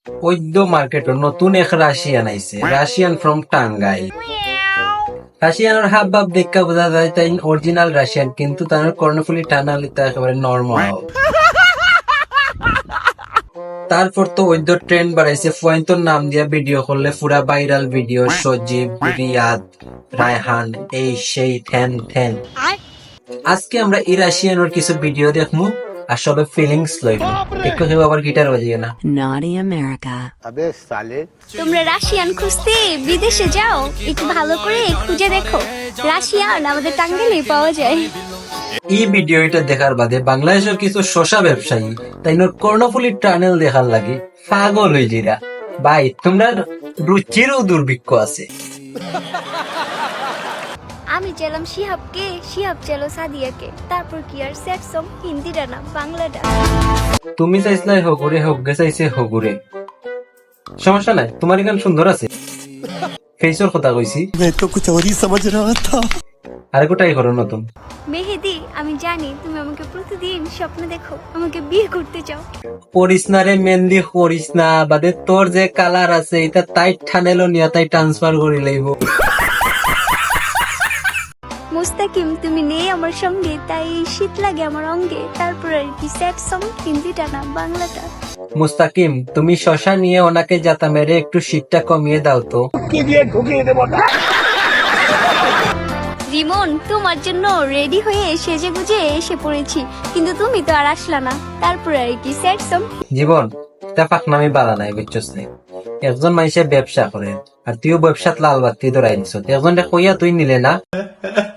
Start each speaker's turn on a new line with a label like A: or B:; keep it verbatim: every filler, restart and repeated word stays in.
A: ওইদ্য market নতুন এক Russian আইছে, রাশিয়ান ফ্রম টাঙ্গাই। রাশিয়ানের হাব ভাব দেখা বোঝা যায় তাই অরিজিনাল রাশিয়ান, কিন্তু তার কর্ণফুলি টানালি তা একেবারে নর্মাল। তারপর তো ওইদ্য ট্রেন্ড বাড়াইছে, পয়েন্টর নাম দিয়া ভিডিও করলে পুরা ভাইরাল ভিডিও, সজীব, রিয়াদ, রায়হান, এই সেই ঠেন ঠেন। আজকে আমরা এই রাশিয়ানোর কিছু ভিডিও দেখমু আর সবে ফিলিংস লইব। একটু কেউ আবার গিটার বাজিয়ে না।
B: Naughty America.
C: তোমরা রাশিয়ান খুঁজতে বিদেশে যাও, একটু ভালো করে খুঁজে দেখো, রাশিয়ান আমাদের টাঙ্গাইলেই পাওয়া যায়।
A: এই ভিডিওটা দেখার বাদে বাংলাদেশের কিছু শশা ব্যবসায়ী তাই কর্ণফুলি টানেল দেখার লাগে পাগল হয়ে জিরা। ভাই তোমরা রুচিরও দুর্ভিক্ষ আছে।
C: আমি চাইলাম শিহাবকে, শিহাব চাইলো সাদিয়াকে, তারপর কি আর সেট সং হিন্দিটা না বাংলাটা।
A: তুমি চাইছিলাই হগুরে, হগ্গে চাইছে হগুরে। সমস্যা নাই, তোমার গান সুন্দর আছে। ফেসর কথা কইছি।
D: मैं तो कुछ और ही समझ रहा था।
A: আরে কোটাই করো নতুন।
C: মেহেদি, আমি জানি তুমি আমাকে প্রতিদিন স্বপ্ন দেখো, আমাকে বিয়ে করতে চাও।
A: করিস না রে মেহেন্দি, করিস না। বাদে তোর যে কালার আছে এটা তাই ঠানেলো নিয়ে তাই ট্রান্সফার করে লইব।
C: মুস্তাকিম, তুমি নেই আমার সঙ্গে, তাই শীত লাগে আমার অঙ্গে, তারপর আর কি সেট সং হিন্দিটা না বাংলাটা।
A: মুস্তাকিম, তুমি শশা নিয়ে ওনাকে যাতা মেরে একটু শীতটা কমিয়ে দাও তো।
C: রিমন, তোমার জন্য রেডি হয়ে সেজে গুজে এসে পড়েছি, কিন্তু তুমি তো আর আসলা না, তারপর আর কি সেট সং।
A: জীবন তা পাকনামি বালা নাই, বুঝছস নি? একজন মানুষে ব্যবসা করে আর তুইও ব্যবসাত লাল বাতি ধরাই দিছ, একজন কইয়া তুই নিলে না।